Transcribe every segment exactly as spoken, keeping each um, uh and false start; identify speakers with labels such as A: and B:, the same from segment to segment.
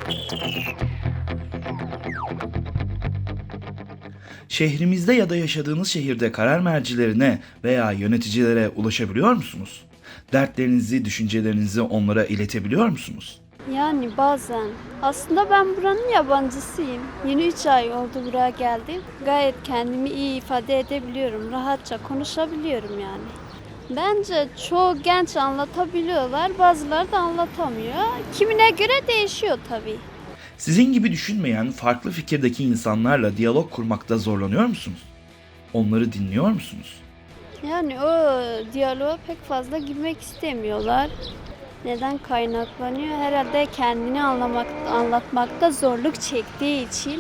A: Şehrimizde ya da yaşadığınız şehirde karar mercilerine veya yöneticilere ulaşabiliyor musunuz? Dertlerinizi, düşüncelerinizi onlara iletebiliyor musunuz?
B: Yani bazen. Aslında ben buranın yabancısıyım. Yeni üç ay oldu buraya geldim. Gayet kendimi iyi ifade edebiliyorum. Rahatça konuşabiliyorum yani. Bence çoğu genç anlatabiliyorlar, bazıları da anlatamıyor. Kimine göre değişiyor tabii.
A: Sizin gibi düşünmeyen, farklı fikirdeki insanlarla diyalog kurmakta zorlanıyor musunuz? Onları dinliyor musunuz?
B: Yani o diyaloğa pek fazla girmek istemiyorlar. Neden kaynaklanıyor? Herhalde kendini anlamak, anlatmakta zorluk çektiği için,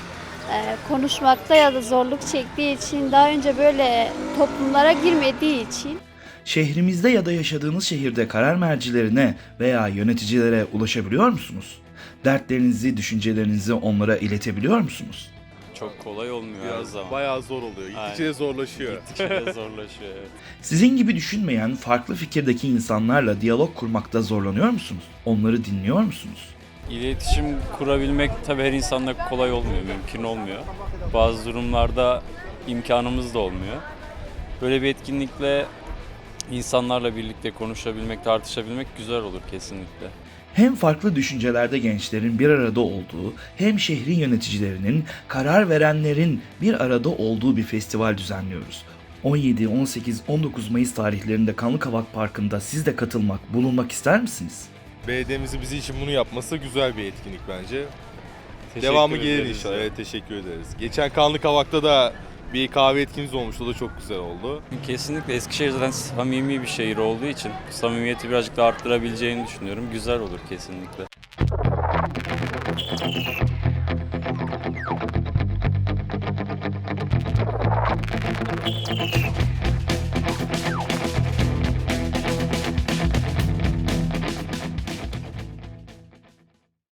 B: e, konuşmakta ya da zorluk çektiği için, daha önce böyle toplumlara girmediği için.
A: Şehrimizde ya da yaşadığınız şehirde karar mercilerine veya yöneticilere ulaşabiliyor musunuz? Dertlerinizi, düşüncelerinizi onlara iletebiliyor musunuz?
C: Çok kolay olmuyor her
D: Biraz
C: zaman.
D: bayağı zor oluyor. Gittikçe
C: Aynen.
D: de zorlaşıyor.
C: Gittikçe de zorlaşıyor. Evet.
A: Sizin gibi düşünmeyen, farklı fikirdeki insanlarla diyalog kurmakta zorlanıyor musunuz? Onları dinliyor musunuz?
C: İletişim kurabilmek tabii her insanla kolay olmuyor, mümkün olmuyor. Bazı durumlarda imkanımız da olmuyor. Böyle bir etkinlikle insanlarla birlikte konuşabilmek, tartışabilmek güzel olur kesinlikle.
A: Hem farklı düşüncelerde gençlerin bir arada olduğu, hem şehrin yöneticilerinin, karar verenlerin bir arada olduğu bir festival düzenliyoruz. on yedi, on sekiz, on dokuz Mayıs tarihlerinde Kanlıkavak Parkı'nda siz de katılmak, bulunmak ister misiniz?
D: Belediyemizin bizi için bunu yapması güzel bir etkinlik bence.
C: Teşekkür
D: Devamı gelir
C: ederiz
D: inşallah.
C: ya.
D: Evet, teşekkür ederiz. Geçen Kanlıkavak'ta da bir kahve etkimiz olmuştu. O da çok güzel oldu.
C: Kesinlikle Eskişehir zaten samimi bir şehir olduğu için samimiyeti birazcık da arttırabileceğini düşünüyorum. Güzel olur kesinlikle.